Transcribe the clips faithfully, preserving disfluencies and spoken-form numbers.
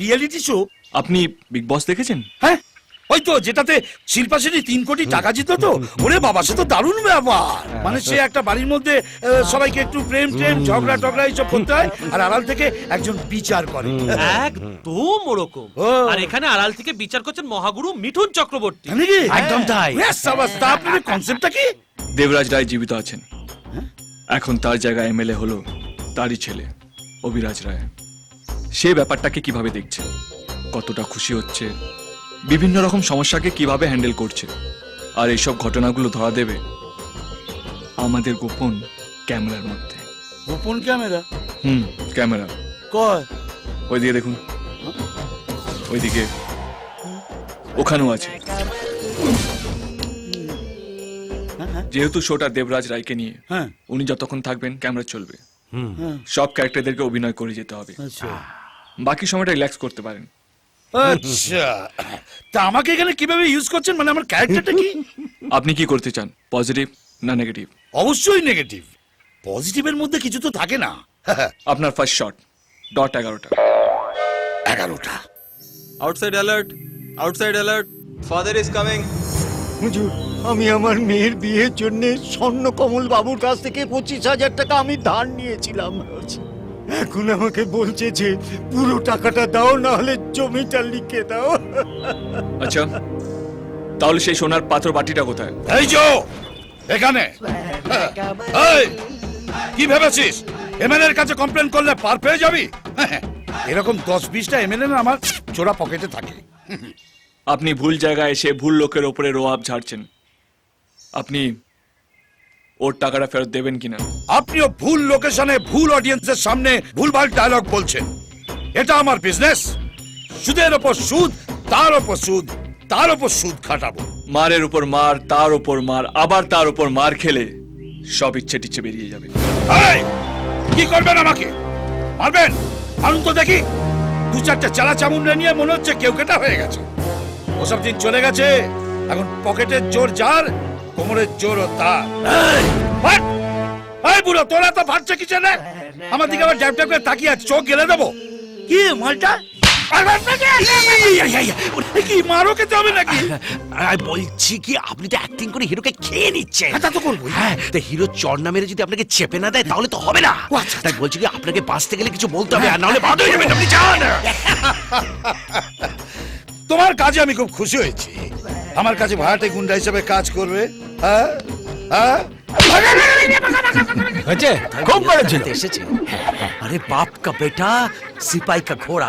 Reality show. আপনি Bigg Boss দেখেছেন? হ্যাঁ, ওই তো যেটাতে শিল্পা শেঠি তিন কোটি টাকা জিততো তো। ওরে বাবা, সে তো দারুণ ব্যাপার। মানে সে একটা বাড়ির মধ্যে আহ, সবাইকে একটু প্রেম প্রেম ঝগড়া টগড়া এইসব করতে হয়, আর আড়াল থেকে একজন বিচার করে। একদম ওরকম। ও। আর এখানে আড়াল থেকে বিচার করছেন মহাগুরু মিঠুন চক্রবর্তী। জানি কি? একদম তাই। ব্যাস, সাবাস। তা আপনাদের কনসেপ্টটা কি? দেবরাজ রায় জীবিত আছেন, এখন তার জায়গায় এমএলএ হলো তারই ছেলে অভিরাজ রায়। সে ব্যাপারটাকে কিভাবে দেখছে, কতটা খুশি হচ্ছে, বিভিন্ন রকম সমস্যাকে কিভাবে হ্যান্ডেল করছে, আর এইসব ঘটনাগুলো ধরা দেবে আমাদের গোপন ক্যামেরার মধ্যে। গোপন ক্যামেরা? হুম, ক্যামেরা। কয়? ওইদিকে দেখুন, ওইদিকে, ওখানেও আছে। যেহেতু শোটা দেবরাজ রায়কে নিয়ে, হ্যাঁ। উনি যতক্ষণ থাকবেন ক্যামেরা চলবে। হ্যাঁ। সব ক্যারেক্টারদেরকে অভিনয় করে যেতে হবে, আচ্ছা বাকি সময়টা রিল্যাক্স করতে পারেন। আচ্ছা, তা আমাকে এখানে কিভাবে ইউজ করছেন? মানে আমার ক্যারেক্টারটা কি? আপনি কি করতে চান, পজিটিভ না নেগেটিভ? অবশ্যই নেগেটিভ। পজিটিভের মধ্যে কিছু তো থাকে না। আপনার ফার্স্ট শট, ডট এগারোটা। এগারোটা? Outside alert, outside alert, father is coming. হুজুর, আমি আমার মেয়ের বিয়ের জন্য স্বর্ণকমল বাবুর কাছ থেকে পঁচিশ হাজার টাকা আমি ধার নিয়েছিলাম। এখন আমাকে বলছে যে পুরো টাকাটা দাও, না হলে জমিটা লিখে দাও। আচ্ছা, তাহলে সেই সোনার পাত্র বাটিটা কোথায়? এই যো এখানে। এই, কি ভেবেছিস এমএলএ এর কাছে কমপ্লেন করলে পার পেয়ে যাবি? এরকম দশ বিশটা এমএলএ না আমার চোরা পকেটে থাকে। আপনি ভুল জায়গায় এসে ভুল লোকের ওপরে রোয়াব ঝাড়ছেন। আপনি ওর টাকাটা ফেরত দেবেন কিনা? আপনিও ভুল লোকেশনে ভুল অডিয়েন্সের সামনে ভুলভাল ডায়লগ বলছেন। এটা আমার বিজনেস। সুদের ওপর সুদ, তার ওপর সুদ, তার ওপর সুদ খাটাবো। মারের উপর মার, তার উপর মার, আবার তার উপর মার খেলে সব ইচ্ছে টিচ্ছে বেরিয়ে যাবে। এই, কি করবেন আমাকে? মারবেন? মারুন তো দেখি। দু চারটে চালা চামুন্ডা নিয়ে মনে হচ্ছে কেউ কেটা হয়ে গেছে। ওসব দিন চলে গেছে। এখন পকেটের জোর যার, কোমরের জোর ও তার। এই, ফাট! এই বুড়ো, তোরা তো ফাটছে কি রে? আমার দিকে আবার ড্যাব ড্যাব করে তাকিয়ে আছে, চোখ গেলে দেবো কি মালটা? কি মারো খেতে হবে নাকি? বলছি কি, আপনি তো অ্যাক্টিং করে হিরোকে খেয়ে নিচ্ছেন। তা তো করবো। হ্যাঁ, তা হিরো চর না মেরে যদি আপনাকে চেপে না দেয় তাহলে তো হবে না। ও আচ্ছা, তাই বলছি কি, আপনাকে বাঁচতে গেলে কিছু বলতে হবে, আর নাহলে বাদ হয়ে যাবেন। আপনি যান। তোমার কাজে আমি খুব খুশি হয়েছি। আমার কাছে ভাড়াটে গুন্ডা হিসেবে কাজ করবে। হ্যাঁ হ্যাঁ, খুব করেছেন। এসেছে। আরে বাপ কা বেটা, সিপাই কা ঘোড়া।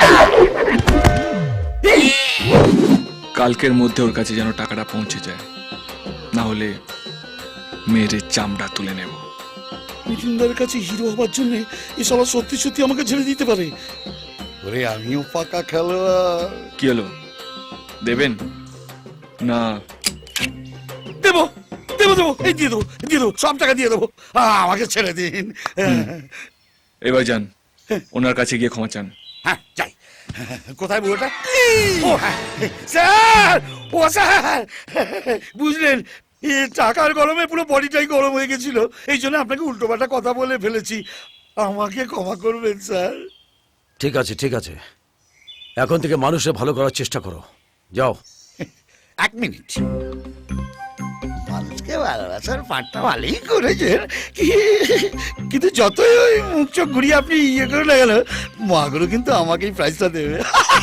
কালকের মধ্যে ওর কাছে যেন টাকাটা পৌঁছে যায়, না হলে মেয়ের চামড়া তুলে নেব। মিঠুনদার কাছে হিরো হবার জন্য এসব সত্যি সত্যি আমাকে ছেড়ে দিতে পারে। ওরে, আমিও পাকা খেলোয়াড়। কি হলো, দেবেন না? দেবো দেবো দেবো, এই দিয়ে দেবো, দিয়ে দেবো, সব টাকা দিয়ে দেবো। আহ, আমাকে ছেড়ে দিন। এবার যান, ওনার কাছে গিয়ে ক্ষমা চান। হ্যাঁ, যাই। কোথায় বুড়োটা? ও হ্যাঁ, স্যার, ও স্যার, বুঝলেন, এ টাকার গরমে পুরো বডিটাই গরম হয়ে গেছিল। এই জন্য আপনাকে উল্টোপাল্টা কথা বলে ফেলেছি। আমাকে ক্ষমা করবেন স্যার। ঠিক আছে, ঠিক আছে, এখন থেকে মানুষের ভালো করার চেষ্টা করো। যাও। এক মিনিট। মানুষকে ভালোবাসার পাঠটা ভালোই করেছেন, কি- কিন্তু যতই ওই মুখ চোখ ঘুরিয়ে আপনি ইয়ে করে না গেল, মাগুলো কিন্তু আমাকেই প্রাইজটা দেবে।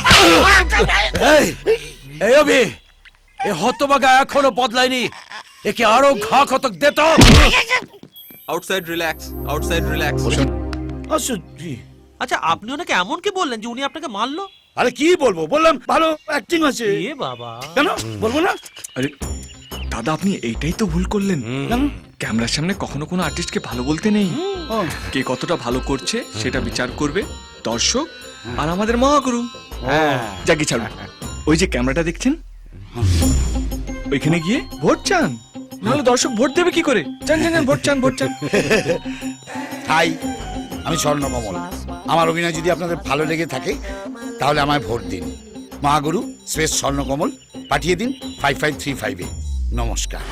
এই, এই অভি, এ হতবাগা এখনো বদলায়নি। একে আরো ঘা কতক দে তো। Outside relax, outside relax. আচ্ছা, জি। আচ্ছা, আপনি ওনাকে এমন কি বললেন যে উনি আপনাকে মারলো? আরে কি বলবো, বললাম ভালো অ্যাক্টিং আছে। এ বাবা, কেন বলবো না? আরে দাদা, আপনি এইটাই তো ভুল করলেন। কেন? ক্যামেরার সামনে কখনো কোনো আর্টিস্টকে ভালো বলতে নেই। ও, কে কতটা ভালো করছে সেটা বিচার করবে দর্শক আর আমাদের মহাগুরু। যাকে ছাড়ুন, ওই যে ক্যামেরাটা দেখছেন, ওইখানে গিয়ে ভোট চান, নাহলে দর্শক ভোট দেবে কি করে? চান চান চান, ভোট চান, ভোট চান। হাই, আমি স্বর্ণকমল। আমার অভিনয় যদি আপনাদের ভালো লেগে থাকে তাহলে আমায় ভোট দিন। মহাগুরু শ্রেষ্ঠ স্বর্ণকমল পাঠিয়ে দিন ফাইভ ফাইভ থ্রি ফাইভে। নমস্কার।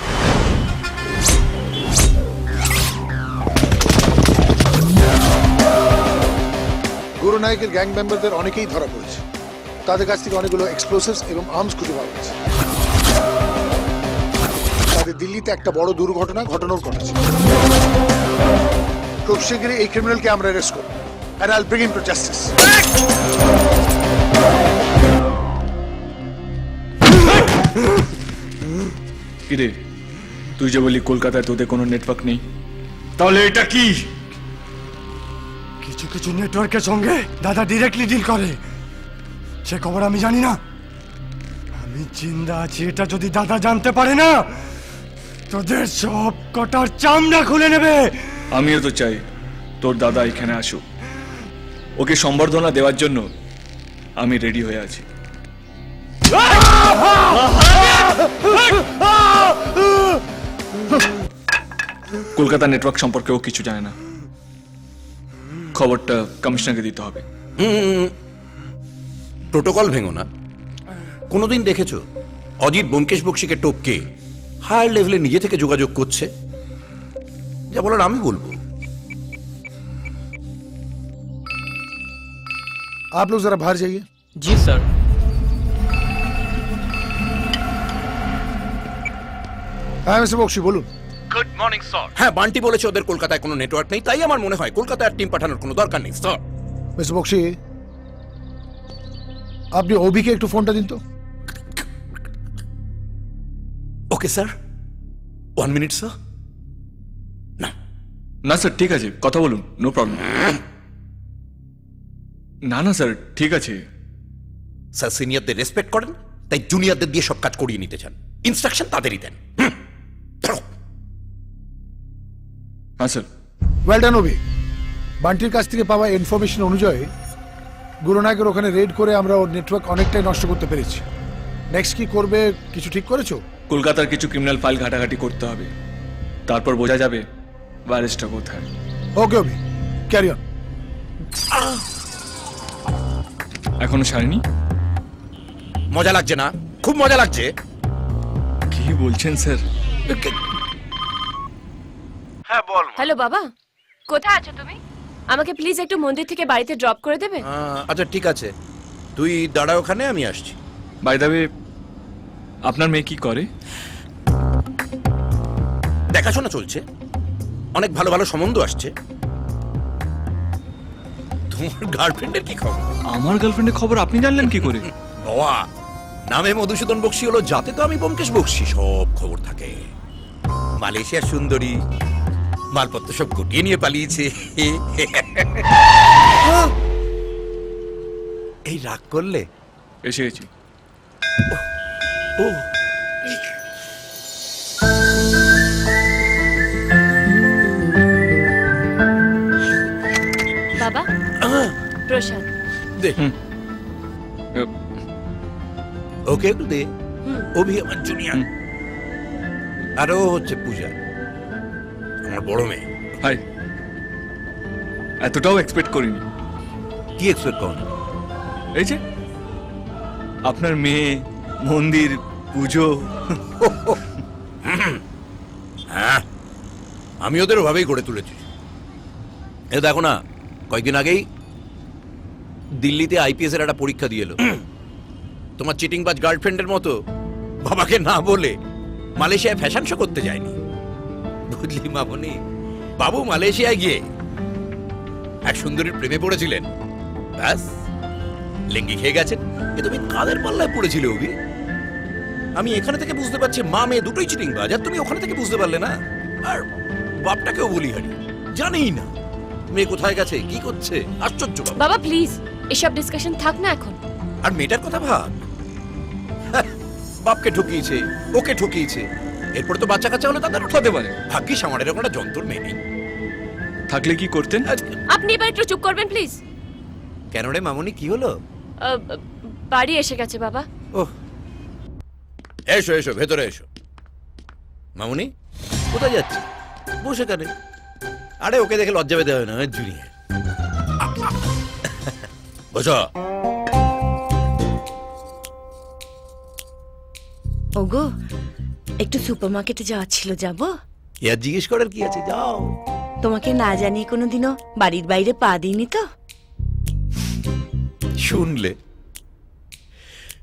গুরু নায়কের গ্যাং মেম্বারদের অনেকেই ধরা পড়েছে। তাদের কাছ থেকে অনেকগুলো এক্সপ্লোসিভস এবং আর্মস খুঁজে পাওয়া গেছে। তাদের দিল্লিতে একটা বড় দুর্ঘটনা ঘটানোর কথা ছিল। খুব শীঘ্রই এই ক্রিমিনালকে আমরা অ্যারেস্ট করব and I'll bring him to justice. কিরে, তুই যে বলি কলকাতায় তোদের কোনো নেটওয়ার্ক নেই, তাহলে এটা কি? কিছু কিছু নেটওয়ার্কের সঙ্গে দাদা ডিরেক্টলি ডিল করে, সে খবর আমি জানি না। আমি জিন্দা আছি এটা যদি দাদা জানতে পারে না, তোদের সব কটার চামড়া খুলে নেবে। আমিও তো চাই তোর দাদা এখানে আসুক, ওকে সম্বর্ধনা দেওয়ার জন্য আমি রেডি হয়ে আছি। কলকাতা নেটওয়ার্ক সম্পর্কে ও কিছু জানে না, খবরটা কমিশনারকে দিতে হবে। প্রোটোকল ভেঙো না। কোনোদিন দেখেছো অজিত ব্যোমকেশ বক্সিকে টপকে হায়ার লেভেলে নিজে থেকে যোগাযোগ করছে? যা বলার আমি বলবো। आप लोग जरा बाहर जाइए। জি স্যার। হ্যাঁ মিস্টার বক্সি বলুন। হ্যাঁ, বান্টি বলেছে ওদের কলকাতায় কোনো নেটওয়ার্ক নেই, তাই আমার মনে হয় কলকাতায় টিম পাঠানোর কোনো দরকার নেই স্যার। মিস্টার বক্সি, আপনি ওবিকে একটু ফোনটা দিন তো। Okay sir, one minute sir. না না স্যার, ঠিক আছে, কথা বলুন, নো প্রবলেম। না না স্যার, ঠিক আছে। স্যার সিনিয়রদের রেসপেক্ট করেন, তাই জুনিয়রদের দিয়ে সব কাজ করিয়ে নিতে চান। ইনস্ট্রাকশন তাদেরই দেন। হুম, ধরো। হ্যাঁ স্যার। Well done Obi. বান্টির কাছ থেকে পাওয়া ইনফরমেশন অনুযায়ী গুরুনায়কের ওখানে রেড করে আমরা ওর নেটওয়ার্ক অনেকটাই নষ্ট করতে পেরেছি। নেক্সট কি করবে কিছু ঠিক করেছো? কলকাতার কিছু ক্রিমিনাল ফাইল ঘাটাঘাটি করতে হবে, তারপর বোঝা যাবে ভাইরাসটা কোথায়। Okay Obi, carry on. এখনো সারেনি? মজা লাগছে না? খুব মজা লাগছে। কি বলছেন স্যার? হ্যাঁ বল। হ্যালো বাবা, কোথায় আছো তুমি? আমাকে প্লিজ একটু মন্দির থেকে বাড়িতে ড্রপ করে দেবে? আচ্ছা ঠিক আছে, তুই দাঁড়া ওখানে, আমি আসছি। বাই দ্য ওয়ে, আপনার মেয়ে কি করে? দেখাশোনা চলছে, অনেক ভালো ভালো সম্বন্ধ আসছে। তোমার গার্লফ্রেন্ডের কি খবর? আমার গার্লফ্রেন্ডের খবর আপনি জানলেন কি করে? বাবা, নামে মধুসূদন বক্সি হলো, যাতে তো আমি ব্যোমকেশ বক্সি, সব খবর থাকে। মালয়েশিয়ার সুন্দরী, মালপত্র সব গুটিয়ে নিয়ে পালিয়েছে। এই রাগ করলে? এসে গেছি। ও বাবা, প্রসাদ। দে হুম। ওকে একটু দে। অভি আমার জুনিয়র, আর ও হচ্ছে পূজা, আমার বড় মেয়ে। হাই, এতটাও এক্সপেক্ট করিনি। কি এক্সপেক্ট করেন? এই যে আপনার মেয়ে, মন্দির, পুজো। হ্যাঁ, আমি ওদের ওভাবেই গড়ে তুলেছি। এ দেখো না, কয়েকদিন আগেই দিল্লিতে আইপিএস এর একটা পরীক্ষা দিয়ে এলো। তোমার চিটিংবাজ গার্লফ্রেন্ডের মতো বাবাকে না বলে মালয়েশিয়ায় ফ্যাশন শো করতে যায়নি, বুঝলি মামনি? বাবু মালয়েশিয়ায় গিয়ে এক সুন্দরীর প্রেমে পড়েছিলেন, ব্যাস লেঙ্গি খেয়ে গেছেন। এ তুমি কাদের পাল্লায় পড়েছিলে অভি? আমি এখানে থেকে বুঝতে পারছি মা মেয়ে দুটোই চিটিংবাজ, আর তুমি ওখানে থেকে বুঝতে পারলে না। আর বাপটাকেও বলি হারি, জানেই না মেয়ে কোথায় গেছে, কি করছে। আশ্চর্য বাবা। বাবা প্লিজ, এসব ডিসকাশন থাক না এখন। আর মেয়েটার কথা ভাব, বাপকে ঠকিয়েছে, ওকে ঠকিয়েছে, এরপরে তো বাচ্চা কাচ্চা হলে তাদের হতে পারে। ভাগ্যিস আমার এরকম একটা যন্ত্র মেয়ে নেই। থাকলে কি করতেন? আপনি এবার একটু চুপ করবেন প্লিজ। কেন রে মামনি, কি হলো? বাড়ি এসে গেছে বাবা। ওহ, এসো এসো, ভেতরে এসো। মামনি কোথায় যাচ্ছে? বসে কানে। আরে ওকে দেখে লজ্জা পেতে হবে না, জুনিয়র। বসো। ওগো, একটু সুপারমার্কেটে যাওয়ার ছিল, যাব? ইয়ার জিজ্ঞেস করার কি আছে, যাও। তোমাকে না জানিয়ে কোনোদিনও বাড়ির বাইরে পা দিইনি তো? শুনলে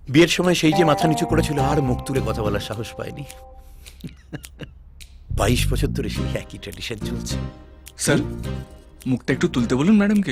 বিয়ের সময় সেই যে মাথা নিচু করেছিল আর মুখ তুলে কথা বলার সাহস পায়নি। বাইশ বছর ধরে সেই একই ট্র্যাডিশন চলছে। স্যার মুখটা একটু তুলতে বলুন ম্যাডামকে।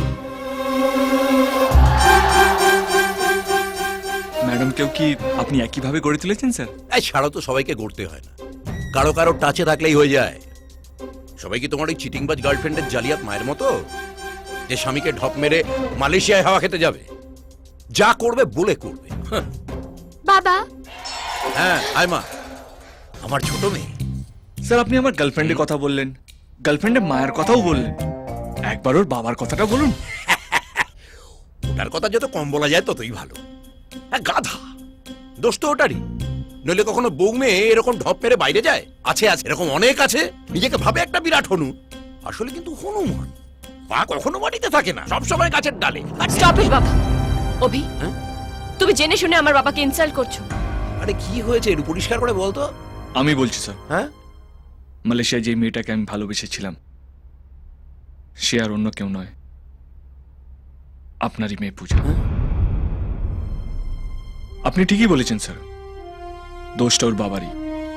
ম্যাডামকেও কি আপনি একইভাবে গড়ে তুলেছেন স্যার? এই ছাড়ো তো, সবাইকে গড়তে হয় না, কারো কারো টাচে থাকলেই হয়ে যায়। সবাই কি তোমার ওই চিটিংবাজ গার্লফ্রেন্ডের জালিয়াত মায়ের মতো, যে স্বামীকে ঢপ মেরে মালয়েশিয়ায় হাওয়া খেতে যাবে? যা করবে বলে করবে। হাহ। বাবা হ্যাঁ আয় মা, আমার ছোট মেয়ে। স্যার আপনি আমার গার্লফ্রেন্ডের কথা বললেন, গার্লফ্রেন্ডের মায়ের কথাও বললেন, একবার ওর বাবার কথাটা বলুন। ওটার কথা যত কম বলা যায় ততই ভালো। হ্যাঁ, গাধা, দোষ তো ওটারই। নইলে কখনো বউ মেয়ে এরকম ঢপ মেরে বাইরে যায়? আছে আছে, এরকম অনেক আছে। নিজেকে ভাবে একটা বিরাট হনু, আসলে কিন্তু হনুমান। পা কখনো মাটিতে থাকে না, সবসময় গাছের ডালে। স্টপ ইট বাবা। অভি হ্যাঁ? তুমি জেনে শুনে আমার বাবাকে ইনসাল্ট করছো। আরে কি হয়েছে একটু পরিষ্কার করে বলতো। আমি বলছি স্যার, হ্যাঁ, মালয়েশিয়ায় যে মেয়েটাকে আমি ভালোবেসেছিলাম সে আর অন্য কেউ নয়, আপনারই মেয়ে পূজা। আপনি ঠিকই বলেছেন স্যার, দোষটা ওর বাবারই।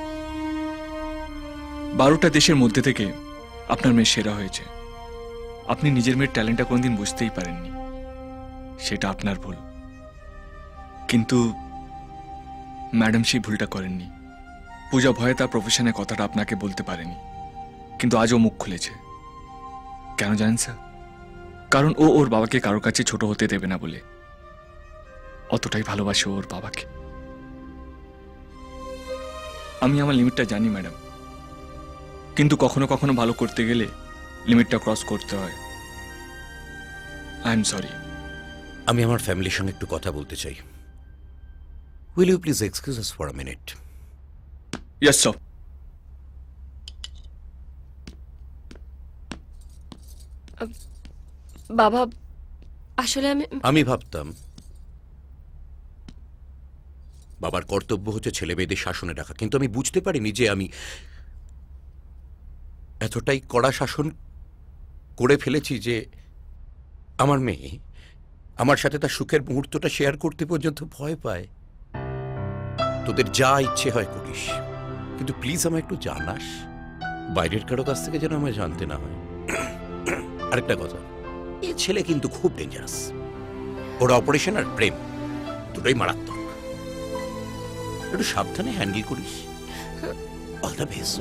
বারোটা দেশের মধ্যে থেকে আপনার মেয়ে সেরা হয়েছে। আপনি নিজের মেয়ের ট্যালেন্টটা কোনদিন বুঝতেই পারেননি, সেটা আপনার ভুল। কিন্তু ম্যাডাম সেই ভুলটা করেননি। পূজা ভয়ে তার প্রফেশনের কথাটা আপনাকে বলতে পারেনি, কিন্তু আজও মুখ খুলেছে। কেন জানেন স্যার? কারণ ও ওর বাবাকে কারোর কাছে ছোট হতে দেবে না বলে। অতটাই ভালোবাসে ওর বাবাকে। আমি আমার লিমিটটা জানি ম্যাডাম, কিন্তু কখনো কখনো ভালো করতে গেলে লিমিটটা ক্রস করতে হয়। I am sorry. আমি আমার ফ্যামিলির সঙ্গে একটু কথা বলতে চাই। Will you please excuse us for a minute? Yes sir. বাবা আসলে আমি আমি ভাবতাম বাবার কর্তব্য হচ্ছে ছেলে মেয়েদের শাসনে রাখা, কিন্তু আমি বুঝতে পারিনি যে আমি এতটাই কড়া শাসন করে ফেলেছি যে আমার মেয়ে আমার সাথে তার সুখের মুহূর্তটা শেয়ার করতে পর্যন্ত ভয় পায়। তোদের যা ইচ্ছে হয় করিস, কিন্তু প্লিজ আমায় একটু জানাস, বাইরের কারো কাছ থেকে যেন আমায় জানতে না হয়। আরেকটা কথা, এ ছেলে কিন্তু খুব ডেঞ্জারাস। ওরা অপারেশন আর প্রেম দুটোই মারাত্মক। একটু সাবধানে হ্যান্ডেল করিস। All the best.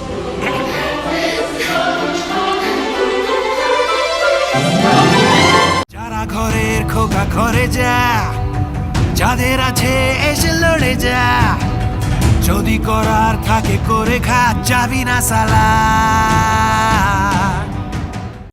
যারা ঘরের খোকা ঘরে যা, যাদের আছে এসে লড়ে যা, যদি করার থাকে করে খা, যাবি না সালা।